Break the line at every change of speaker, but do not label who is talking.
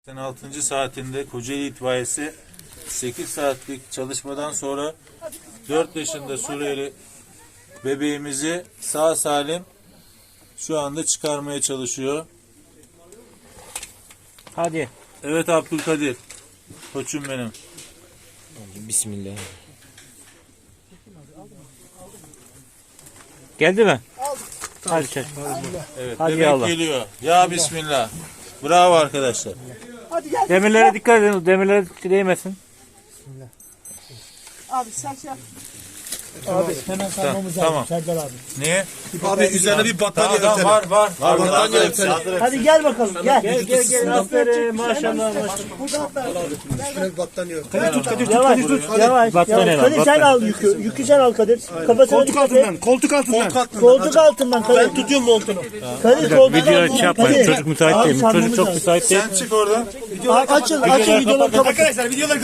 6. saatinde Kocaeli itfaiyesi 8 saatlik çalışmadan sonra 4 yaşında Suriyeli bebeğimizi sağ salim şu anda çıkarmaya çalışıyor.
Hadi.
Evet Abdülkadir. Koçum benim.
Bismillah. Geldi mi? Hadi çek.
Evet,
Hadi
bebek
Allah.
geliyor. Ya Bismillah. Bravo arkadaşlar.
Demirlere dikkat edin. Demirlere değmesin.
Abi sen şey yap.
Abi hemen sarmamız lazım.
Tamam.
Serdar abi.
Niye?
Abi üzerine bir battaniye
Tamam,
örtelim.
var.
Battaniye örtelim.
Hadi gel bakalım. Gel.
Gel. Aferin maşallah.
Üstüne bir battaniye örtelim.
Yavaş. Yavaş.
Battaniye al,
Kadir sen
battaniye.
al yükü. Yükü sen al Kadir. Kafasına dikkat et.
Koltuk altından.
Koltuk altından Kadir.
Ben tutuyorum montunu.
Kadir koltuk
Video
altından.
şey yapmayın.
Kadir.
Çocuk müsait değil.
Abi,
Çocuk çok
sarmamız
müsait değil.
Sen çık oradan.
Açın videoları kapat.
Arkadaşlar videoları